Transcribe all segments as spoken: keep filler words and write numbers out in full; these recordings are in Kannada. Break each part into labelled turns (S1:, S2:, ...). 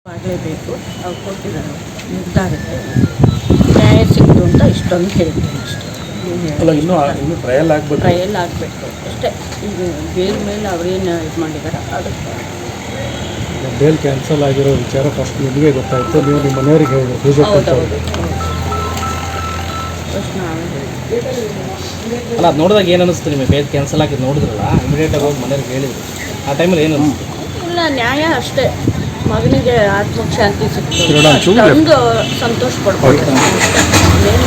S1: ಆಗಲೇಬೇಕು. ಅವ್ರು ಕೊಟ್ಟಿದ್ದಾರೆ ನಿರ್ಧಾರಕ್ಕೆ ನ್ಯಾಯ ಸಿಕ್ತು ಅಂತ ಇಷ್ಟೊಂದು ಹೇಳ್ತೀನಿ ಅಷ್ಟೇ.
S2: ಅಲ್ಲ ಇನ್ನೂ ಇನ್ನೂ ಟ್ರಯಲ್ ಆಗಬೇಕು
S1: ಟ್ರಯಲ್ ಆಗಬೇಕು ಅಷ್ಟೇ. ಈಗ ಬೇಲ್ ಮೇಲೆ ಅವ್ರೇನು ಇದು ಮಾಡಿದ್ದಾರೆ ಅದಕ್ಕೆ
S2: ಬೇಲ್ ಕ್ಯಾನ್ಸಲ್ ಆಗಿರೋ ವಿಚಾರ ಫಸ್ಟ್ ನಿಮಗೆ ಗೊತ್ತಾಯಿತು, ನೀವು ನಿಮ್ಮ ಮನೆಯವರಿಗೆ ಹೇಳಿದ್ರು ಪೂಜೆ
S1: ಹೌದೌದು ಫಸ್ಟ್ ನಾವು
S3: ಅಲ್ಲ ಅದು ನೋಡಿದಾಗ ಏನು ಅನಿಸ್ತು ನಿಮಗೆ? ಬೇಲ್ ಕ್ಯಾನ್ಸಲ್ ಆಗಿದ್ದು ನೋಡಿದ್ರಲ್ಲ, ಇಮಿಡಿಯೇಟಾಗಿ ಹೋಗಿ ಮನೆಯವ್ರಿಗೆ ಹೇಳಿದ್ರು, ಆ ಟೈಮಲ್ಲಿ ಏನು ಅನಿಸ್ತು?
S1: ಇಲ್ಲ ನ್ಯಾಯ ಅಷ್ಟೇ, ಮಗನಿಗೆ ಆತ್ಮಕ್ಕೆ ಶಾಂತಿ ಸಿಕ್ತು ಒಂದು ಸಂತೋಷ ಪಡ್ಬೋದು. ಏನು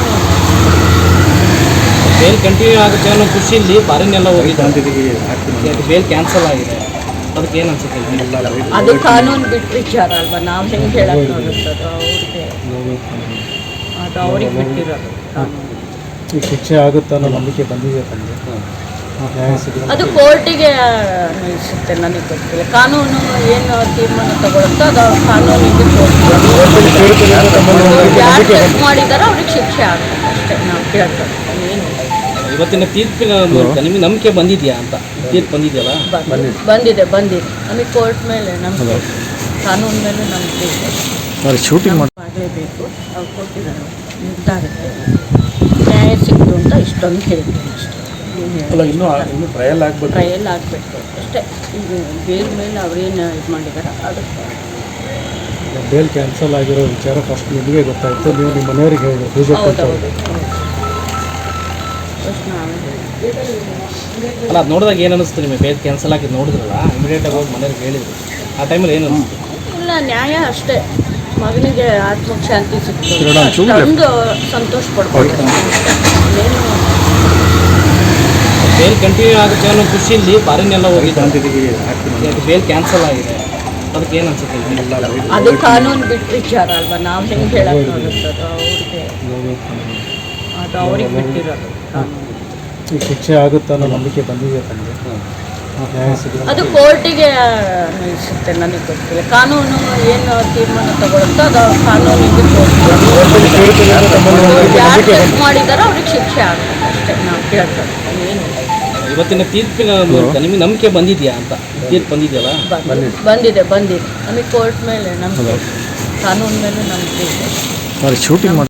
S3: ಬೇಲ್ ಕಂಟಿನ್ಯೂ ಆಗುತ್ತೆ ಅನ್ನೋ ಖುಷಿಯಲ್ಲಿ ಫಾರಿನೆಲ್ಲ ಹೋಗಿದ್ದು, ಬೇಲ್ ಕ್ಯಾನ್ಸಲ್ ಆಗಿದೆ, ಅದಕ್ಕೆ ಏನು ಅನ್ಸುತ್ತೆ?
S1: ಅದು ಕಾನೂನು ಬಿಟ್ಟು ವಿಚಾರ ಅಲ್ವಾ, ನಾವು ಹೆಂಗೆ ಹೇಳಕ್ಕೆ ಆಗುತ್ತದು ಅವ್ರಿಗೆ, ಅದು ಅವ್ರಿಗೆ ಬಿಟ್ಟಿರೋದು ಕಾನೂನು.
S2: ಈ ಶಿಕ್ಷೆ ಆಗುತ್ತೆ ಅನ್ನೋ ನಂಬಿಕೆ ಬಂದಿದೆ ತಮಗೆ? ನ್ಯಾಯ ಸಿಗುತ್ತೆ
S1: ಅದು ಕೋರ್ಟಿಗೆ ಅನ್ವಯಿಸುತ್ತೆ, ನನಗೆ ಗೊತ್ತಿಲ್ಲ. ಕಾನೂನು ಏನು ತೀರ್ಮಾನ ತಗೊಳುತ್ತೋ ಅದು ಕಾನೂನಿಗೆ ಯಾರು ಚೆಕ್ ಮಾಡಿದಾರೋ ಅವ್ರಿಗೆ ಶಿಕ್ಷೆ ಆಗುತ್ತೆ ಅಷ್ಟೇ. ನಾವು ಕೇಳ್ತೇವೆ ಏನು
S3: ಇವತ್ತಿನ ತೀರ್ಪಿನ ಮೂಲಕ ನಿಮಗೆ ನಂಬಿಕೆ ಬಂದಿದೆಯಾ ಅಂತ? ತೀರ್ಪು ಬಂದಿದೆಯಲ್ಲ?
S1: ಬಂದಿದೆ ಬಂದಿದೆ ನಮಗೆ ಕೋರ್ಟ್ ಮೇಲೆ ನಮಗೆ ಕಾನೂನು ಮೇಲೆ ನಂಬಿಕೆ ಇದೆ.
S2: ಶೂಟಿಂಗ್
S1: ಆಗಲೇಬೇಕು. ಅವ್ರು ಕೊಟ್ಟಿದ್ದಾರೆ ನಿರ್ಧಾರಕ್ಕೆ ನ್ಯಾಯ ಸಿಕ್ತು ಅಂತ ಇಷ್ಟೊಂದು ಹೇಳ್ತೀನಿ ಅಷ್ಟೇ.
S2: ಅಲ್ಲ ಇನ್ನೂ ಇನ್ನೂ ಟ್ರಯಲ್ ಆಗಬೇಕು
S1: ಟ್ರಯಲ್ ಆಗಬೇಕು ಅಷ್ಟೇ. ಈಗ ಬೇಲ್ ಮೇಲೆ ಅವ್ರೇನು ಇದು ಮಾಡಿದ್ದಾರೆ ಅದಕ್ಕೆ
S2: ಬೇಲ್ ಕ್ಯಾನ್ಸಲ್ ಆಗಿರೋ ವಿಚಾರ ಫಸ್ಟ್ ನಿಮಗೆ ಗೊತ್ತಾಯಿತು, ನೀವು ನಿಮ್ಮ ಮನೆಯವರಿಗೆ ಹೇಳಿದ್ರು ಪೂಜೆ
S1: ಹೌದೌದು ಫಸ್ಟ್ ನಾವು
S3: ಅಲ್ಲ ಅದು ನೋಡಿದಾಗ ಏನು ಅನಿಸ್ತು ನಿಮಗೆ? ಬೇಲ್ ಕ್ಯಾನ್ಸಲ್ ಆಗಿದ್ದು ನೋಡಿದ್ರಲ್ಲ, ಇಮಿಡಿಯೇಟಾಗಿ ಹೋಗಿ ಮನೆಯವ್ರಿಗೆ ಹೇಳಿದ್ರು, ಆ ಟೈಮಲ್ಲಿ ಏನು ಅನಿಸ್ತು?
S1: ಇಲ್ಲ ನ್ಯಾಯ ಅಷ್ಟೇ, ಮಗನಿಗೆ ಆತ್ಮಕ್ಕೆ ಶಾಂತಿ ಸಿಕ್ತು ಒಂದು ಸಂತೋಷ ಪಡ್ಬೋದು. ಏನು
S3: ಬೇಲ್ ಕಂಟಿನ್ಯೂ ಆಗುತ್ತೆ ಅನ್ನೋ ಖುಷಿಯಲ್ಲಿ ಫಾರಿನೆಲ್ಲ ಹೋಗಿದ್ದು, ಬೇಲ್ ಕ್ಯಾನ್ಸಲ್ ಆಗಿದೆ, ಅದಕ್ಕೆ ಏನು ಅನ್ಸುತ್ತೆ?
S1: ಅದು ಕಾನೂನು ಬಿಟ್ಟು ವಿಚಾರ ಅಲ್ವಾ, ನಾವು ಹೆಂಗೆ ಹೇಳಕ್ಕೆ ಆಗುತ್ತದು ಅವ್ರಿಗೆ, ಅದು ಅವ್ರಿಗೆ ಬಿಟ್ಟಿರೋದು ಕಾನೂನು.
S2: ಈ ಶಿಕ್ಷೆ ಆಗುತ್ತೆ ಅನ್ನೋ ನಂಬಿಕೆ ಬಂದಿದೆ ತಮಗೆ? ನ್ಯಾಯ ಸಿಗುತ್ತೆ
S1: ಅದು ಕೋರ್ಟಿಗೆ ಅನ್ವಯಿಸುತ್ತೆ, ನನಗೆ ಗೊತ್ತಿಲ್ಲ. ಕಾನೂನು ಏನು ತೀರ್ಮಾನ ತಗೊಳುತ್ತೋ ಅದು ಕಾನೂನಿಗೆ ಯಾರು ಚೆಕ್ ಮಾಡಿದಾರೋ ಅವ್ರಿಗೆ ಶಿಕ್ಷೆ ಆಗುತ್ತೆ ಅಷ್ಟೇ. ನಾವು ಕೇಳ್ತೇವೆ ಏನು
S3: ಇವತ್ತಿನ ತೀರ್ಪಿನ ಮೂಲಕ ನಿಮಗೆ ನಂಬಿಕೆ ಬಂದಿದೆಯಾ ಅಂತ? ತೀರ್ಪು ಬಂದಿದೆಯಲ್ಲ?
S1: ಬಂದಿದೆ ಬಂದಿದೆ ನಮಗೆ ಕೋರ್ಟ್ ಮೇಲೆ ನಮಗೆ ಕಾನೂನು ಮೇಲೆ ನಂಬಿಕೆ ಇದೆ.
S2: ಶೂಟಿಂಗ್